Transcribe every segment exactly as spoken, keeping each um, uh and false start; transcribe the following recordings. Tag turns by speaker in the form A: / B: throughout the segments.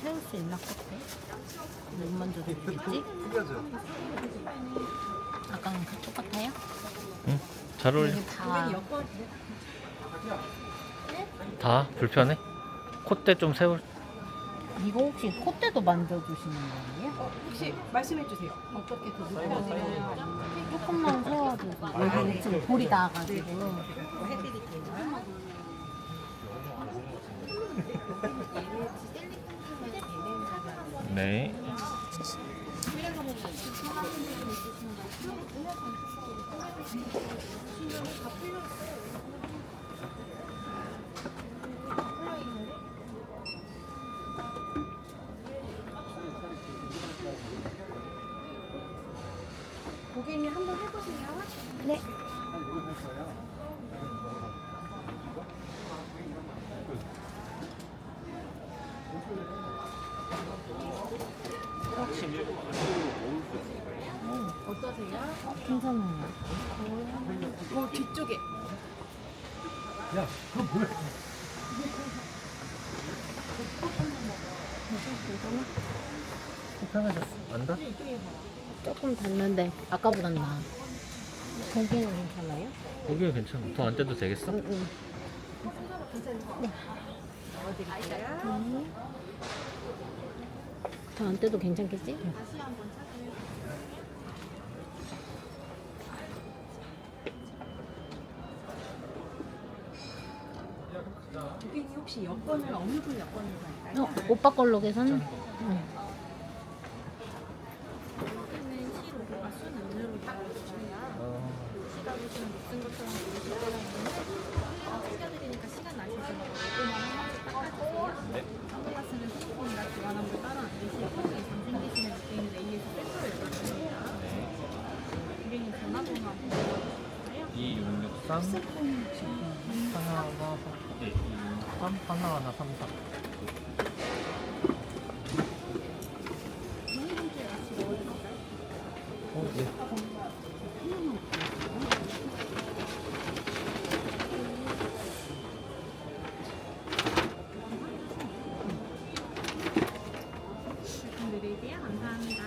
A: 세울 수 있나 콧대? 눈 만져도 되겠지? 아까랑 다 똑같아요?
B: 응? 잘 어울려.
A: 이게 다
B: 다 불편해? 콧대 좀 세울.
A: 이거 혹시 콧대도 만져주시는 거예요?
C: 어, 혹시 말씀해 주세요. 어떻게 더 불편해요? 아니면
A: 조금만 세워줘서 여기 지금 볼이 나가지고
C: 해드릴게요.
B: 네.
C: 고객님 한번 해보세요.
A: 네.
C: 어떠세요?
A: 괜찮아요.
C: 어, 뒤쪽에.
D: 야, 그거 뭐야?
B: 불편해졌어. 안다?
A: 조금 닿는데 아까보단 나아. 거기는 괜찮아요?
B: 거기는 괜찮아. 더 안 떼도 되겠어?
A: 응, 응.
C: 넣어드릴게요.
A: 더 안 떼도 괜찮겠지?
C: 고객님 혹시 여권을 어느 분 여권을 갈까요?
A: 어, 오빠 걸로 계산? 응.
B: 어, 네. 이육육삼 하나하나 네, 이육육삼 하나하나 삼삼. 어, 네.
C: 드릴게요. 감사합니다.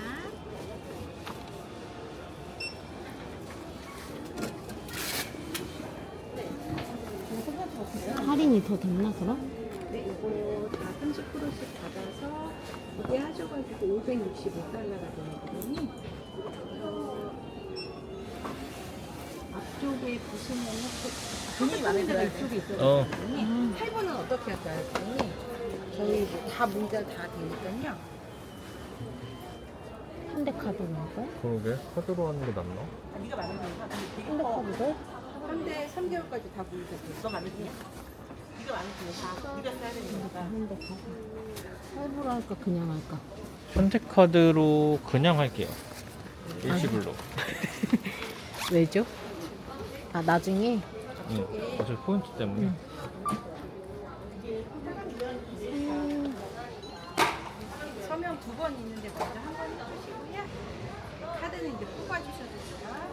A: 할인이 더 됐나 그럼?
C: 네, 이거 다 삼십 퍼센트씩 받아서 이게 하셔가지고 오백육십오 달러가 되거든요. 앞쪽에 보시면은 돈이 마음에 들어요. 이쪽에 있어요.
B: 어.
C: 할부는 어떻게 할까요? 돈이 저희 뭐다 문자 다 되니까요.
A: 현대카드로 할까요?
B: 그러게. 카드로 하는 게 낫나?
C: 네가 마음에 들어요.
A: 현대카드로?
C: 한대 삼 개월까지 다 보유돼서 너 마음에 드냐? 네가 마음에 들어. 다 네가 써야 되니까.
A: 현대카드. 할부로 할까 그냥 할까?
B: 현대카드로 그냥 할게요. 일시불로.
A: 왜죠? 아 나중에?
B: 응. 어차피 포인트 때문에.
A: 응.
C: 서명 두 번 있는데 먼저 한 번 해주시고요. 카드는 이제 뽑아주셔도 돼요.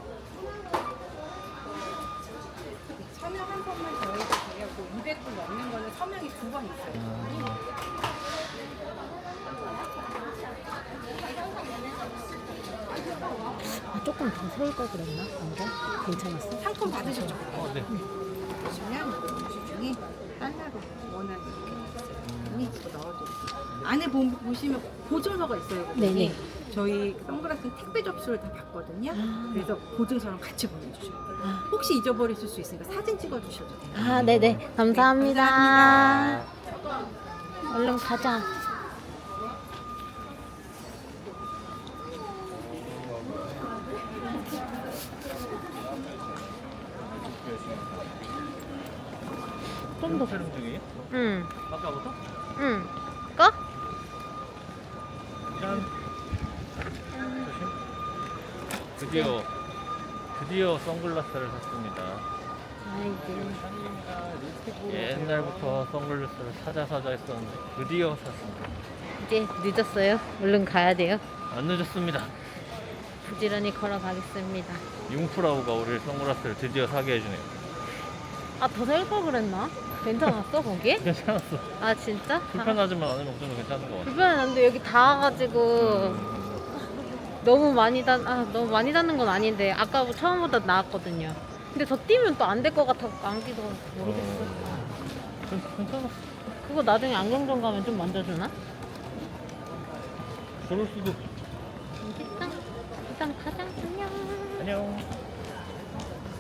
C: 서명 한 번만 더 해도 돼요. 그 이백 분 넘는 거는 서명이 두 번 있어요.
A: 아, 조금 더 세울 걸 그랬나? 먼저? 괜찮았어?
C: 상품 받으셨죠?
B: 어, 네.
C: 보시면 음식 중에 달러로 원하는 이렇게 있어요. 이거 넣어드릴게요. 안에 보, 보시면 보증서가 있어요. 거기.
A: 네네.
C: 저희 선글라스 택배 접수를 다 받거든요.
A: 아.
C: 그래서 보증서랑 같이 보내주셔야 돼요.
A: 아.
C: 혹시 잊어버리실 수 있으니까 사진 찍어주셔도 돼요.
A: 아 네네 감사합니다.
C: 감사합니다.
A: 얼른 가자. 좀 더.
B: 촬영 중이에요?
A: 응.
B: 아까부터?
A: 응. 꺼?
B: 짠. 조심. 드디어 드디어 선글라스를 샀습니다.
A: 아이고.
B: 옛날부터 선글라스를 사자 사자 했었는데 드디어 샀습니다.
A: 이제 늦었어요. 얼른 가야 돼요.
B: 안 늦었습니다.
A: 부지런히 걸어가겠습니다.
B: 융프라우가 우리 선글라스를 드디어 사게 해주네요.
A: 아, 더 살 걸 그랬나? 괜찮았어 거기?
B: 괜찮았어.
A: 아 진짜? 아,
B: 불편하지만 안으면 좀 괜찮은 것 같아.
A: 불편한데 여기 닿아가지고 너무 많이 닿, 아 너무 많이 닿는 건 아닌데 아까 처음보다 나았거든요. 근데 더 뛰면 또 안 될 것 같아서 안기도 모르겠어.
B: 괜- 괜찮았어.
A: 그거 나중에 안경점 가면 좀 만져주나?
B: 그럴 수도.
A: 일단 일단 가자. 안녕.
B: 안녕.